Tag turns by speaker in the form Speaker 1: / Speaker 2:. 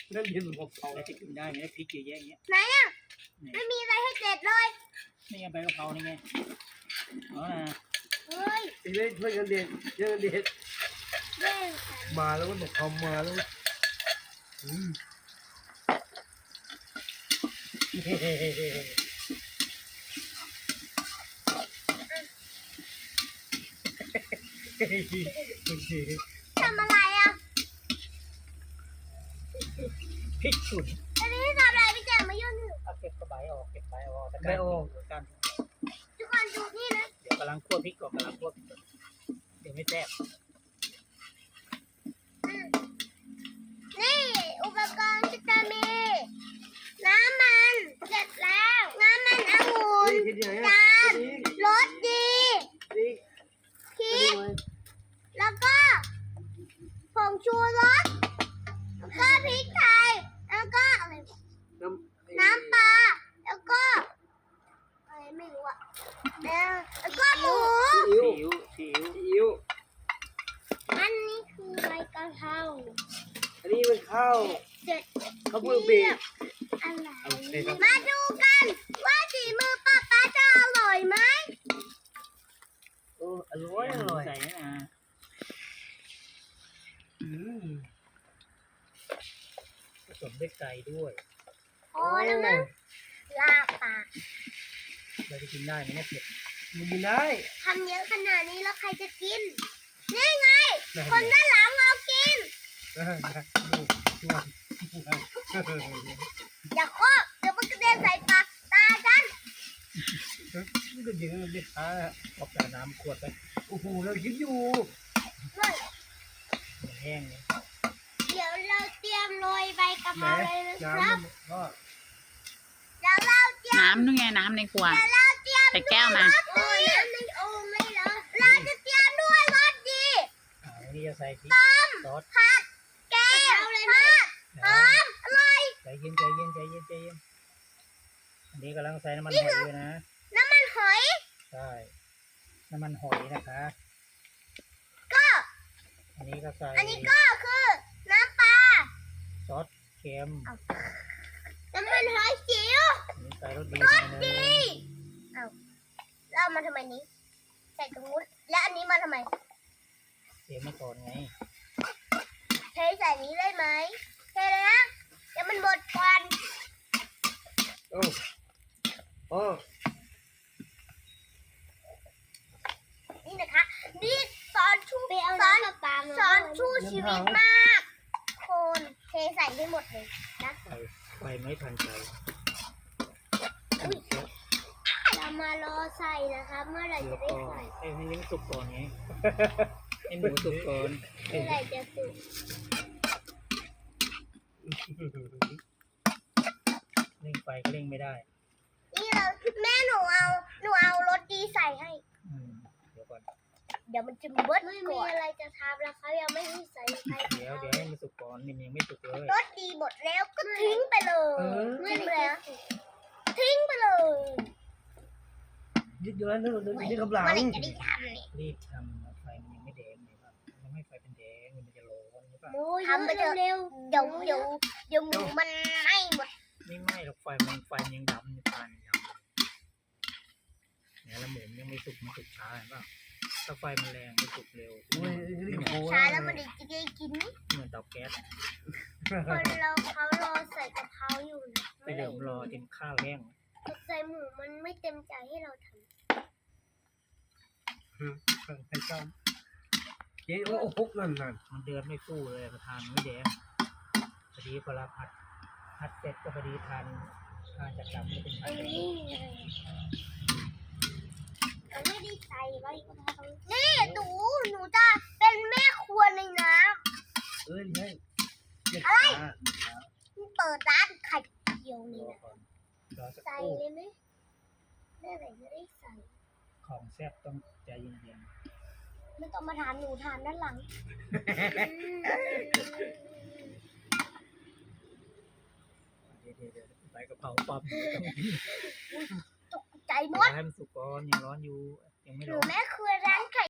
Speaker 1: นั่นเรียนผม
Speaker 2: เผาจะกินได้ไหมพริกเยอะแยะอย่างเงี้ย
Speaker 3: ไหนอ่ะไม่มีอะไรให้เด็ดเลย
Speaker 2: นี่ไงใบกะเพรานี่ไงอ๋อนะ
Speaker 3: เฮ้ย
Speaker 1: ไอ้เล่นช่วยกันเด็ดช่วยกันเด็ด
Speaker 3: แย่งกัน
Speaker 1: มาแล้วก็บอกเขามาแล้ว
Speaker 3: ทำอะไรอ่ะ
Speaker 2: พริกฉุน
Speaker 3: อันนี้ทำอะไรพี่แจมมายุ่ง
Speaker 2: เอาเก็บกระใบออกเก็บใบออก
Speaker 1: ไม่ออก
Speaker 2: กัน
Speaker 3: ทุกคนดูนี่นะ
Speaker 2: เดี๋ยวกำลังคั่วพริกก่อนกำลังคั่วพริกก่อนเดี๋ยวไม่แซ่บ
Speaker 3: นี่อุปกรณ์ที่จะมีน้ำมันเสร็จแล้วน้ำมันองุ่น
Speaker 1: ทีเดียว
Speaker 3: จานรสดี
Speaker 1: นี่
Speaker 3: พริกแล้วก็ผงชูรสแล้วก็พริกไทยแล้วก็อะไรน้ำปลาแล้วก็อะไรไม่รู้อ่ะแล้วก็หมู
Speaker 2: ซีอิ๊วซีอิ๊ว
Speaker 3: อันนี้คือใบกะเพรา
Speaker 1: อันนี้มันข้าว
Speaker 3: เสร็จ
Speaker 1: ข้าวเปลือกบีบ
Speaker 3: อะไร
Speaker 1: โอเคครับ
Speaker 3: มาดูกันว่าฝีมือป้าป๊าจะอร่อยไหม
Speaker 1: โอ้อร่อยอร่อย
Speaker 2: ใส่นะ ผสมด้วยไก่ด้วย
Speaker 3: พอแล้วมั้งลาปาก
Speaker 2: เราจะกินได้ไหมเนี่ยเผ็ด
Speaker 1: มันกินได้
Speaker 3: ทำเยอะขนาดนี้แล้วใครจะกิน นี่ไง คนด้านหลังเอากิน อย่าเคาะเดี๋ยวมันกระเด็นใส่ปากตาฉัน
Speaker 1: นี่ก็เยอะเลยอ่ะ
Speaker 2: เอาแต่น้ำขวดไป
Speaker 1: โอ้โหเราคิดอยู่
Speaker 3: ด้วย
Speaker 2: มันแห้งเลย
Speaker 3: เดี๋ยวเราเตรียมโรยใบกะเพ
Speaker 1: แหม
Speaker 3: ราเลยนะ
Speaker 1: น้
Speaker 3: ครับ
Speaker 1: ำก็
Speaker 3: เดี๋ยวเราเตรียม
Speaker 4: น้ำนู่นไงน้ำในครัว
Speaker 3: เดี๋ยวเราเตรียม
Speaker 4: แต่แก้วมา
Speaker 3: รสดีน้ำในโอ่งไม่เหรอเราจะเตรียมด้วยรสดี
Speaker 2: อันนี้จะใส่พริกซอส
Speaker 3: ผัดแกงทอดหอมอร่อย
Speaker 2: ใจเย็นใจเย็นใจเย็นใจเย็นอันนี้กำลังใส่น้ำมันหอยด้วยนะ
Speaker 3: น้ำมันหอย
Speaker 2: ใช่น้ำมันหอยนะคะ
Speaker 3: ก็
Speaker 2: อันนี้ก็ใส่
Speaker 3: อันนี้ก็คือน้ำปลา
Speaker 2: ซอสเค็ม
Speaker 3: น้ำมันหอยจิ๋ว
Speaker 2: อันนี้ใส่รสดี
Speaker 3: ร
Speaker 2: หน่
Speaker 3: ส
Speaker 2: อยนึ
Speaker 3: ดี
Speaker 2: ง
Speaker 3: เอาแล้วเอามาทำไมนี้ ใส่ตรงนู้นและอันนี้มาทำไม
Speaker 2: เตรียมมาก่อนไง
Speaker 3: เทใส่นี้ได้ไหมเทเลยนะเดี๋ยวมันบดควัน
Speaker 1: โอ้โอ้
Speaker 3: นี่นะคะนี่สอนชูสอนชูชีวิตมากคนเทใส่ให้หมดเลยนะ
Speaker 2: ใส่ไฟไม่ทันใจ
Speaker 3: เรามารอใส่นะคะเมื่อไหร่
Speaker 2: เดี๋ย
Speaker 3: จะ
Speaker 2: ว
Speaker 3: ได้
Speaker 2: ก่อน
Speaker 3: ใส่
Speaker 2: ให้ลิ้นสุกก่อนไง ให้หมูสุกก่อน
Speaker 3: เมื่อไหร่จะสุก
Speaker 2: เร่งไฟก็เร่งไม่ได้
Speaker 3: นี่เราแม่หนูเอารสดีใส่ให้
Speaker 2: เดี๋ยวก่อน
Speaker 3: เดี๋ยวมันจะเบิดไม่มีอะไรจะทำแล้วเขายังไม่ให้ใส่ใคร
Speaker 2: เดี๋ยวให้มันสุกก่อนนี่มันยังไม่สุกเลย
Speaker 3: รสดีหมดแล้วก็ทิ้งไปเลยทิ้งไปแล้วทิ้งไปเลย
Speaker 1: ยึดอยู่แล้วนึกยึดกำลัง
Speaker 3: เมื่อไหร่จะได้ทำเนี่ย
Speaker 2: รีบทำไฟมันยังไม่แดงเลยครับยังไม่ไฟเป็นแดงมันจะร้อนใช่ปะ
Speaker 3: ทำไปเถอะเร็วเดี๋ยวหมูมันไหม้หมด
Speaker 2: ไม่ไหม้หรอกไฟมันยังดำอยู่ปานยังดำเนี่ยแล้วหมูมันยังไม่สุกมันสุกช้าเห็นป่ะถ้าไฟมันแรงมันสุกเร็ว
Speaker 1: โอ้ยนี่กับโอ้
Speaker 3: ช้าแล้วมันจะได้กิน
Speaker 2: เหมือนเตาแก๊ส
Speaker 3: คนเขารอใส่กะเพราอยู่นะ
Speaker 2: ไปเดี๋ยวรอจนข้าวแห้ง
Speaker 3: ใส่หมูมันไม่เต็มใจให้เราทำ
Speaker 1: ใครชอบเจ๊โอ้โหนั่น
Speaker 2: มันเดือดไม่ฟูเลยประทานไม่แดงพอดีพอเราผัดเสร็จก็พอดีทานจากดำไม่เป็น
Speaker 3: อันนี้ไงเราไม่ได้ใส่ไว้กะเพรานี่หนูจะเป็นแม่ครัวในน้
Speaker 1: เอ้ยใช่
Speaker 3: ำเปิดร้านไข่เจียวนี่นะ
Speaker 2: รอสัก
Speaker 3: ใส่
Speaker 2: ครู่
Speaker 3: เลยไหมแม่ไหนจะได้ใส่
Speaker 2: ของแซ่บต้องใจเย็น
Speaker 3: ไม่ต้องมาทานหนูทานด้านหลัง
Speaker 2: ๆเดี๋ยวใบกะเพราปั๊บ
Speaker 3: ตกใจหมด
Speaker 2: ให้มันสุกก่อนยังร้อนอยู่ยังไม่
Speaker 3: หนู
Speaker 2: ร้อน
Speaker 3: แม่ครัวร้าน